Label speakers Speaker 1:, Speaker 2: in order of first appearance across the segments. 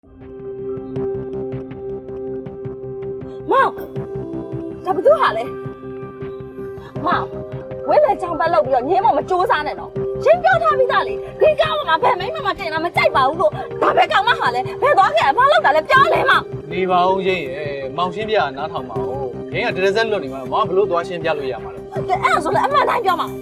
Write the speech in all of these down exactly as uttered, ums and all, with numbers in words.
Speaker 1: မောင်ဒါဘသူဟာလဲမောင်ဝဲလေချောင်းပတ်လောက်ပြီးတော့ညင်းမမစူးစားနဲ့တော့ရှင်းပြောထားပြီးသားလေဒီကောင်းမှာဘယ်မိမမတင်တာမကြိုက်ပါဘူးလို့ဒါပဲကောင်းမဟာလဲဘယ်သွားခဲ့ဘာလောက်တာလဲပြောလဲမောင်
Speaker 2: နေပါဦးရင်ရဲ့မောင်ရှင်းပြနားထောင်ပါဦးရင်းကတရဇက်လွတ်နေမှာမောင်ဘလို့သွားရှင်းပြလို့ရမှာလဲ
Speaker 1: အဲ့ဒါဆိုလည်းအမှန်တိုင်းပြောမှာ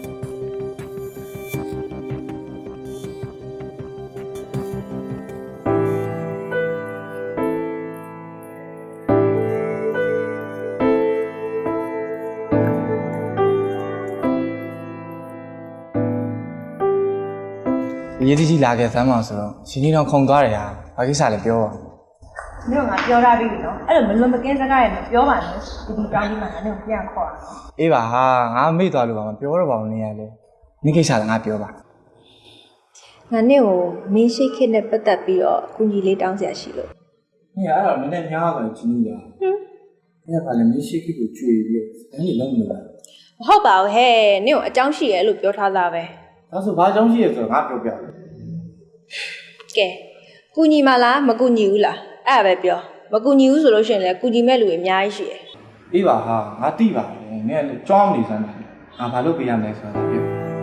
Speaker 3: ရေးကြီးကြီးလာခဲ့စမ်းမအောင်ဆိုတော့ရှင်ကြီးတော့ခုံသွားတယ်ဟာဘာကိစ္စလဲပြောပါ
Speaker 4: မင်းကငါပြောထားပြီနော်အဲ့လိုမလွန်မကင်းစကားရမပြောပါနဲ့ဒီဒီတောင်းကြီးမှာငါနဲ့ပြန်ခေါ်တာ
Speaker 3: အေးပါဟာငါမေ့သွားလို့ပါမပြောတော့ပါဘူးနေရလေဒီကိစ္စလည်းငါပြောပါ
Speaker 4: ငါနဲ့ကိုမင်းရှိခစ်နဲ့ပတ်သက်ပြီးတော့အကူကြီးလေးတောင်းစရာရှိလို့
Speaker 3: နေရအဲ့တော့နည်းနည်းများသွားချင်းကြီးရဟင်းအဲ့ဒါကလည်းမင်းရှိခစ်ကိုကြွေပြီးတော့အဲ့ဒီလုံးမလို့
Speaker 4: မဟုတ်ပါဘူးဟဲ့နင့်ကိုအကြောင်းရှိရဲလို့ပြောထားသားပဲ
Speaker 3: ဒါဆိုဘာကြောင့်ရှိရဲဆိုတော့ငါပြောပြတယ်
Speaker 4: ကဲကူညီမလားမကူညီဘူးလားအဲ့ဒါပဲပြောမကူညီဘူးဆိုလို့ရှိရင်လည်းကူညီမဲ့လူတွေအများကြီးရှိတယ်
Speaker 3: အေးပါဟာငါတိပါတယ်နင်ကလည်းကြောင်းနေစမ်းတယ်ငါဘာလို့ပြရမလဲဆိုတာပြော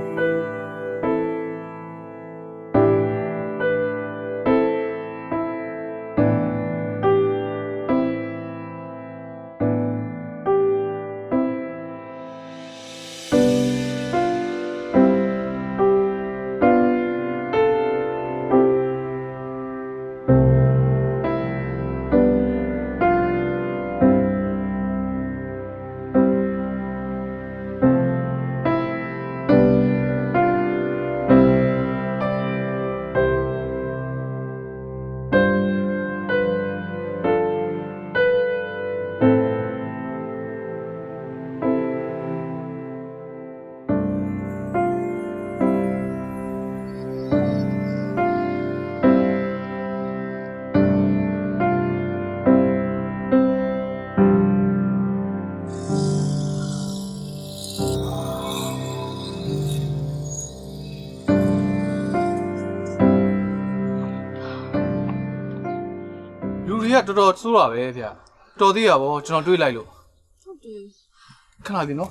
Speaker 2: တော်တော်ဆိုးတာပဲဗျတော်သေးရပါဘောကျွန်တော်တွေးလိုက်လို့
Speaker 1: ဟုတ်တယ်
Speaker 2: ခဏလေးနော်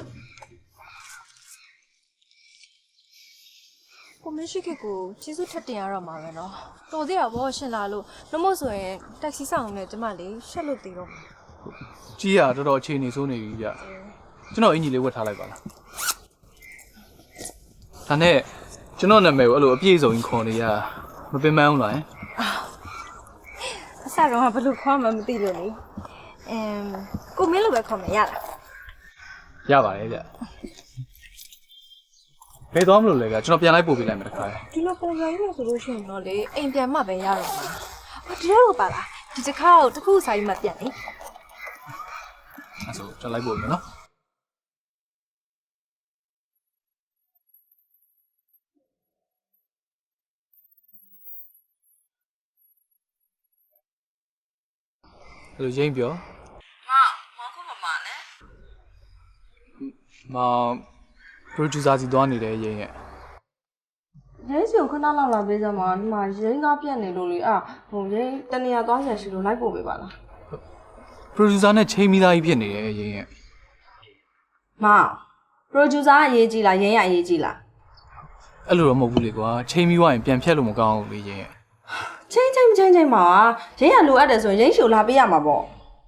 Speaker 1: ကိုမရှိခက်ကိုကျေးဇူးထပ်တင်ရတော့မှာပဲနော်တော်သေးရဘောရှင်လာလို့နှမို့ဆိုရင်တက်ဆီဆောင်နဲ့ကျမလေးရှက်လို့သေးတော့
Speaker 2: ကြီးရတော်တော်အခြေအနေဆိုးနေပြီဗျကျွန်တော်အင်ကြီးလေးဝတ်ထားလိုက်ပါလားဒါနဲ့ကျွန်တော်နာမည်ကိုအဲ့လိုအပြည့်စုံကြီးခေါ်နေရမပင်ပန်းဘူးလား
Speaker 1: အစတော့ဘယ်လိုခေါ်မှမသိလို့လေအမ်ကိုမင်းလိုပဲခေါ်မယ်ရလား
Speaker 2: ရပါတယ်ဗျဘယ်သွားမလို့လဲဗျကျွန်တော်ပြန်လိုက်ပို့ပေးလိုက်မယ်တခါ
Speaker 1: ဒီလိုပုံစံကြီးလို့ဆိုလို့ရှိရင်တော့လေအိမ်ပြန်မှပဲရတော့မှာအော်ဒီလိုပါလားဒီတစ်ခါတော့တစ်ခုစာရေးမှပြန်လေ
Speaker 2: အဲ့ဆိုကျွန်တော်လိုက်ပို့မယ်နော်အဲ့လိုရင်းပြော
Speaker 1: မောင်မောင်ခုမမလဲ
Speaker 2: မောင် producer စီသွားနေတယ်ရင်းရဲ့
Speaker 1: ရင်းစီကိုခဏလောက်လာပေးစမ်းပါဒီမှာရင်းကားပြတ်နေလို့လေအာဟိုရင်းတနေရာသွားရရှိလို့လိုက်ပို့ပေးပါလား
Speaker 2: producer နဲ့ချိန်မိသားကြီးဖြစ်နေတယ်ရင်းရဲ့
Speaker 1: မောင် producer အရေးကြီးလားရင်းရအရေးကြီးလား
Speaker 2: အဲ့လိုတော့မဟုတ်ဘူးလေကွာချိန်မိသွားရင်ပြန်ဖြတ်လို့မကောင်းဘူးလေရင်းရဲ့
Speaker 1: ချင်းချင်းချင်းချင်းပါရင်းရလိုအပ်တယ်ဆိုရင်ရင်းရှုလာပေးရမှာပေါ့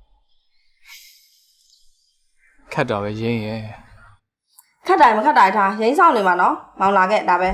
Speaker 2: ခတ်တာပဲရင်းရဲ့
Speaker 1: ခတ်တိုင်းမခတ်တိုင်းထားရင်းဆောင်နေမှာနော်မောင်လာခဲ့ဒါပဲ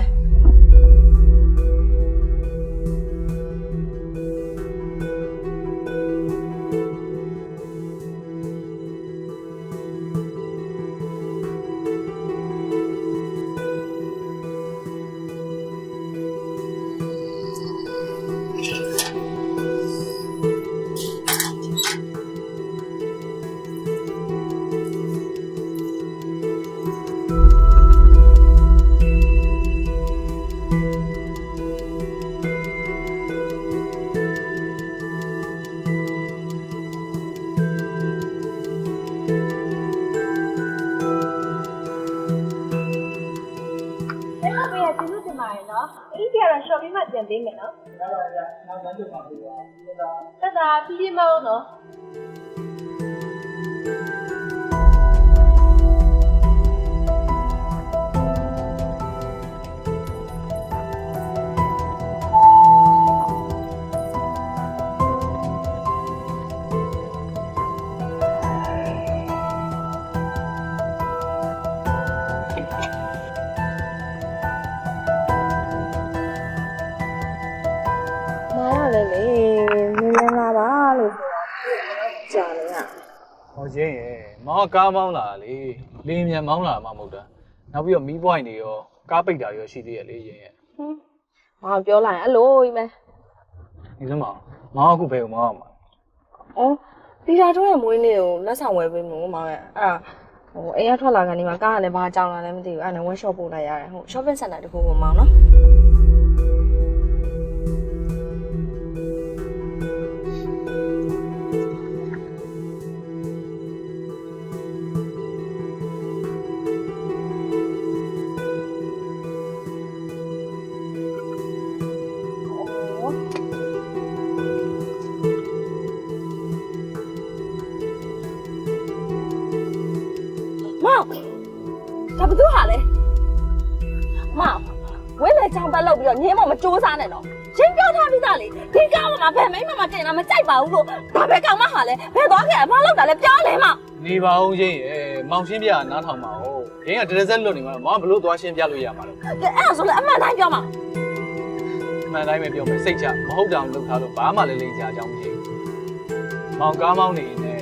Speaker 4: ပြီးမှပြန်ပေးမယ်နော်
Speaker 3: ရပါရနောက်မှပြန်ပါပြီပါဒါ
Speaker 4: တက်တာဖြည်းဖြည်းမဟုတ်နော် မားရတယ်လေမင်းမင်းလာပါလို့ကြာနေရ
Speaker 2: ဟောရင်းရဲ့မောင်ကကားမောင်းလာလေလင်းမြန်မောင်းလာမှမဟုတ်တာနောက်ပြီးတော့မီးပွိုင်းတွေရောကားပိတ်တာရောရှိသေးရဲ့လေရင်းရဲ့
Speaker 4: ဟင်းငါပြောလိုက်အဲ့လိုကြီးမဲ
Speaker 2: ဒီစမ်းမောင်မောင်အခုဘယ်ကိုမောင်းအောင်မလဲ
Speaker 4: အော်ဒီလာတော့ရဲ့မွေးနေ့ကိုလက်ဆောင်ဝယ်ပေးမို့မောင်ရဲ့အဲ့ဒါဟိုအိမ်ကထွက်လာကနေမှကားကလည်းဘာကြောင်လာလဲမသိဘူးအဲ့ဒါနဲ့ workshop ပို့လိုက်ရတယ်ဟို shopping center တခုကိုမောင်နော်
Speaker 1: မောင်ဒါဘသူဟာလဲမောင်ဝဲလေချောင်းပတ်လောက်ပြီးတော့ညင်းမမစူးစားနဲ့တော့ရှင်းပြောထားပြီးသားလေဒီကားမှာဗန်မိမမတင်တာမကြိုက်ပါဘူးလို့ဒါပဲကောင်မဟာလဲဘယ်သွားခဲ့ဘာလောက်တာလဲပြောလဲမောင်
Speaker 2: နေပါအောင်ရင်းရဲ့မောင်ရှင်းပြနားထောင်ပါဦးရင်းကတရဇက်လွတ်နေမှာမောင်ကဘလို့သွားရှင်းပြလို့ရမှာလဲ
Speaker 1: အဲ့ဒါဆိုလည်းအမှန်တိုင်းပြောမောင်
Speaker 2: အမှန်တိုင်းပဲပြောမယ်စိတ်ချမဟုတ်တောင်လုပ်ထားလို့ဘာမှလည်းလိမ့်ချအကြောင်းမရှိဘူးမောင်ကားမောင်းနေနေ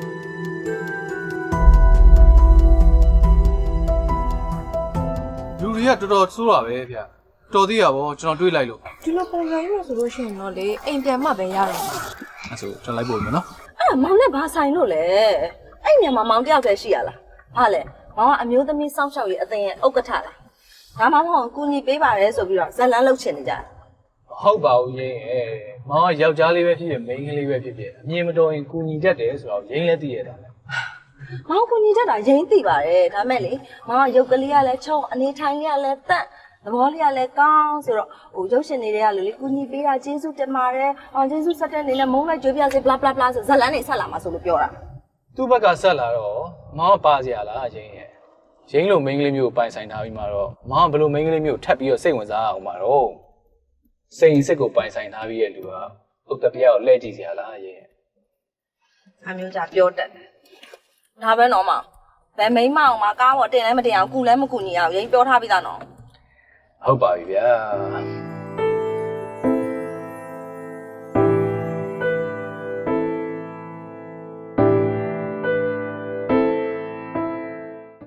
Speaker 2: လူတွေကတော်တော်ဆိုးတာပဲဗျတော်သေးရပါဘောကျွန်တော်တွေးလိုက်လို့
Speaker 4: ဒီလိုပုံစံမျိုးဆိုလို့ရှိရင်တော့လေအိမ်ပြန်မှပဲရတော့မှာ
Speaker 2: အဲ့ဆိုကျွန်တော်လိုက်ပို့မယ်နော်
Speaker 1: အဲ့မောင်နဲ့ဘာဆိုင်လို့လဲအဲ့ညမှာမောင်တယောက်တည်းရှိရလားဟာလဲမောင်ကအမျိုးသမီးစောင့်ရှောက်ရေးအသင်းရဲ့ဥက္ကဋ္ဌလားဒါမှမဟုတ်ကူညီပေးပါတယ်ဆိုပြီးတော့ဇလန်းလှုပ်ချင်နေကြတယ်
Speaker 2: ဟုတ်ပါဘူးရင်းရဲ့မောင်ကယောက်ျားလေးပဲဖြစ်ဖြစ်မိန်းကလေးပဲဖြစ်ဖြစ်အမြင်မတော်ရင်ကူညီတတ်တယ်ဆိုတော့ရင်းလည်းသိရတာလေ
Speaker 1: မောင်ကူညီတတ်တာရင်းသိပါတယ်ဒါမဲ့လေမောင်ကရုပ်ကလေးကလည်းချုံအနေထိုင်လေးကလည်းတန့်သဘောလေးကလည်းကောင်းဆိုတော့ဟိုရုပ်ရှင်တွေကလူလေးကူညီပေးတာကျေးဇူးတင်ပါတယ်အော်ကျေးဇူးဆက်တဲ့နေနဲ့မုန်းလိုက်ကြွေးပြစေ bla bla bla ဆိုဇလန်းနေဆက်လာမှာဆိုလို့ပြောတာ
Speaker 2: သူ့ဘက်ကဆက်လာတော့မောင်ကပါစရာလားရင်းရဲ့ရင်းလိုမိန်းကလေးမျိုးကိုပိုင်ဆိုင်ထားပြီးမှတော့မောင်ကဘလို့မိန်းကလေးမျိုးကိုထပ်ပြီးတော့စိတ်ဝင်စားအောင်မှာတော့စိတ်စစ်ကိုပိုင်ဆိုင်ထားပြီးရဲ့လူကဥက္ကဋ္ဌကိုလှည့်ကြည့်စရာလားရင်းရဲ့
Speaker 1: အမျိုးကြပြောတတ်တယ်ဒါပဲနော်မောင်ဗန်မိန်းမအောင်မှာကားပေါ်တင်လဲမတင်အောင်ကုလဲမကုညီအောင်ရင်းပြောထားပြီးသားနော်
Speaker 2: ဟုတ်ပါပြီဗျာ